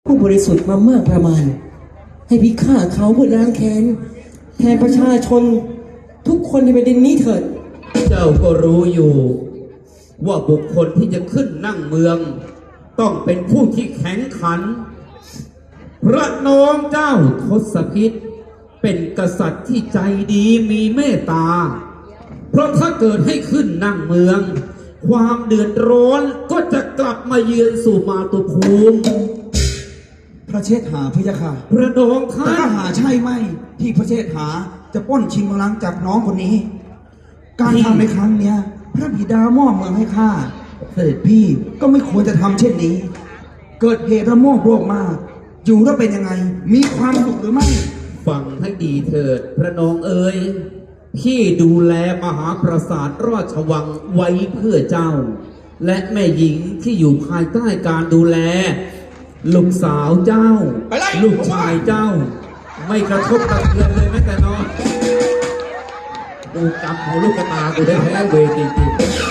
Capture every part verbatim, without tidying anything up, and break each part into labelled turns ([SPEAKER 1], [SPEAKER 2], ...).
[SPEAKER 1] ผู้บริสุทธิ์มามากประมาณให้พิฆาตเขาเพื่อล้างแค้นแทนประชาชนทุกคนในแผ่นดินนี้เถิด
[SPEAKER 2] เจ้าก็รู้อยู่ว่าบุคคลที่จะขึ้นนั่งเมืองต้องเป็นผู้ที่แข็งขันพระน้องเจ้าทศพิธเป็นกษัตริย์ที่ใจดีมีเมตตาเพราะถ้าเกิดให้ขึ้นนั่งเมืองความเดือดร้อนก็จะกลับมาเยือนสู่มาตุภูมิ
[SPEAKER 3] พระเชษฐาพระยาค่ะ
[SPEAKER 2] พระน้องท่าน
[SPEAKER 3] แต่ก็หาใช่ไหมที่พระเชษฐาจะป้นชิงบัลลังก์จากน้องคนนี้การทำในครั้งเนี้ยพระบิดามอบเมืองให้ข้าเสด็จพี่ก็ไม่ควรจะทำเช่นนี้เกิดเหตุระโมบโรคมากอยู่แล้วเป็นยังไงมีความสุขหรือไม่
[SPEAKER 2] ฟังให้ดีเถิดพระน้องเอ๋ยพี่ดูแลมหาปราสาทราชวังไว้เพื่อเจ้าและแม่หญิงที่อยู่ภายใต้การดูแลลูกสาวเจ้าลูกชายเจ้าไม่กระทบกระเทือนเลยแม้แต่น้อยดูกรรมของลูกตากูได้แพ้เวทีจริง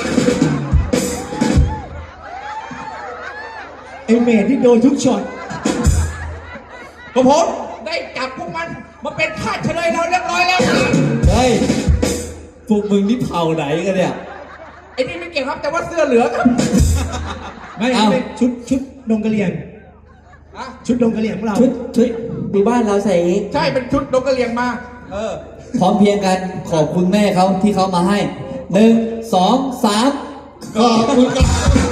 [SPEAKER 4] ไอเมดที่โดนทุกช็อตกระผมได้จับพวกมันมาเป็นทาสเฉลยเราเรียบร้อยแล้วเฮ้ยพวกมึงนี่เผ่าไหนกันเนี่ยไอ้นี่ไม่เกี่ยวครับแต่ว่าเสื้อเหลืองครับไม่เอาชุดชุดดงกะเหรี่ยงชุดดงกะเหรี่ยงของเรา
[SPEAKER 1] ชุดชุดปีบ้านเราใส่
[SPEAKER 4] ใช่เป็นชุดดงกะเหรี่ยงมาเออ
[SPEAKER 5] พร้อมเพียงกันขอบคุณแม่เขาที่เขามาให้หนึ่งสองสาม
[SPEAKER 4] ขอบคุณครับ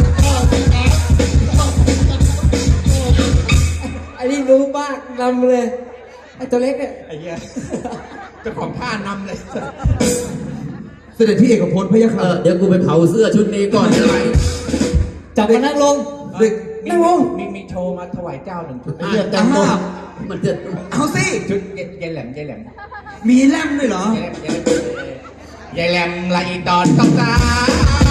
[SPEAKER 1] ไอ้นี่รู้มากนำเลยไอ้ตัวเล็กเนี่ย
[SPEAKER 4] ไอ้เหี้ยเจ้าของท่านำเลย
[SPEAKER 3] เสด็จพี่เอกพลพระยาค่ะ
[SPEAKER 2] เดี๋ยวกูไปเผาเสื้อชุดนี้ก่อนได้ไหม
[SPEAKER 5] จับมานั่งลง
[SPEAKER 4] นั่งลงมีมีโชว์มาถวายเจ้าหนึ่งชุด
[SPEAKER 2] เลือดเต็มหมดมันจะ
[SPEAKER 3] เอาสิ
[SPEAKER 4] ชุดยายแหลมยายแหลม
[SPEAKER 3] มีแลมด้วยเหร
[SPEAKER 4] อยายแหลมไหลตอนต้องสาว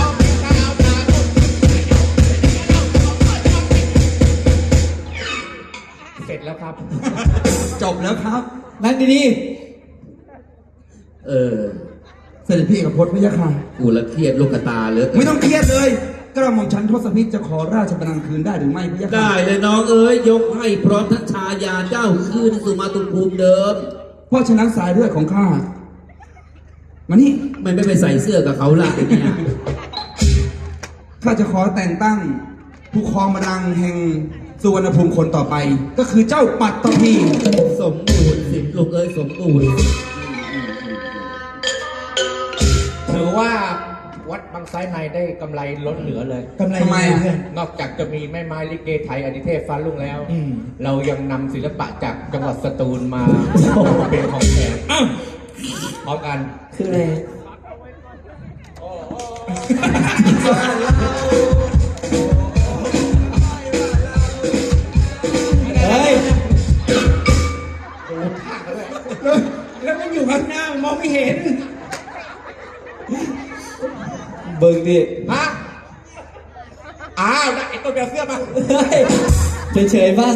[SPEAKER 4] เสร็จแล้วครับ
[SPEAKER 3] จบแล้วครับ
[SPEAKER 5] นั่งดี
[SPEAKER 2] ๆเออ
[SPEAKER 3] เสด็จพี่เอกพลพระยาค่ะ
[SPEAKER 2] กูละเครียดลูกตาเลย
[SPEAKER 3] ไม่ต้องเครียดเลยกระหม่อมฉันทศพิธจะขอราชบัลลังก์คืนได้หรือไม่พระยาค่ะ
[SPEAKER 2] ได้เลยน้องเอ๋ยยกให้พร้อมทั้งชายาเจ้าคืนสู่มาตุภูมิเดิม
[SPEAKER 3] เพราะฉะนั้นสายเลือดของข้ามานี่
[SPEAKER 2] ไม่ไม่ไปใส่เสื้อกับเขาล่ะเนี่ย
[SPEAKER 3] ข้าจะขอแต่งตั้งผู้ครองบัลลังก์แห่งสุวรรณภูมิคนต่อไปก็คือเจ้าปัตตภี
[SPEAKER 2] สมบูรณ์สิลูกเอ้ยสมบูรณ์
[SPEAKER 4] ถือว่าวัดบางไซในได้กำไรล้นเหลือเลย
[SPEAKER 3] กำไรทำไม
[SPEAKER 4] นอกจากจะมีแม่ไม้ลิเกไทยอดิเทพฟ้าลุ่งแล้วเรายังนำศิลปะจากจังหวัดสตูลมาเป็นของแทนพร้อมกัน
[SPEAKER 1] คืออะไร
[SPEAKER 4] เฮ้ยแล้วมันอยู่ข้างหน้ามองไม่เห็น
[SPEAKER 5] เบิ่งดิ
[SPEAKER 4] ฮะอ้าวไอ้ตัวเบียร์เสื้อมา
[SPEAKER 5] เฉยๆบ้าง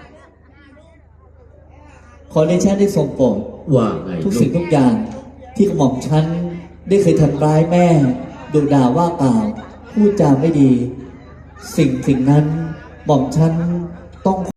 [SPEAKER 5] ขอในชาติได้ทรงโปรด
[SPEAKER 2] ว่าไง
[SPEAKER 5] ทุกสิ่งทุกอย่างที่กระหม่อมฉันได้เคยทำร้ายแม่ดุด่าว่ากล่าวพูดจาไม่ดีสิ่งสิ่งนั้นหม่อมฉันต้อง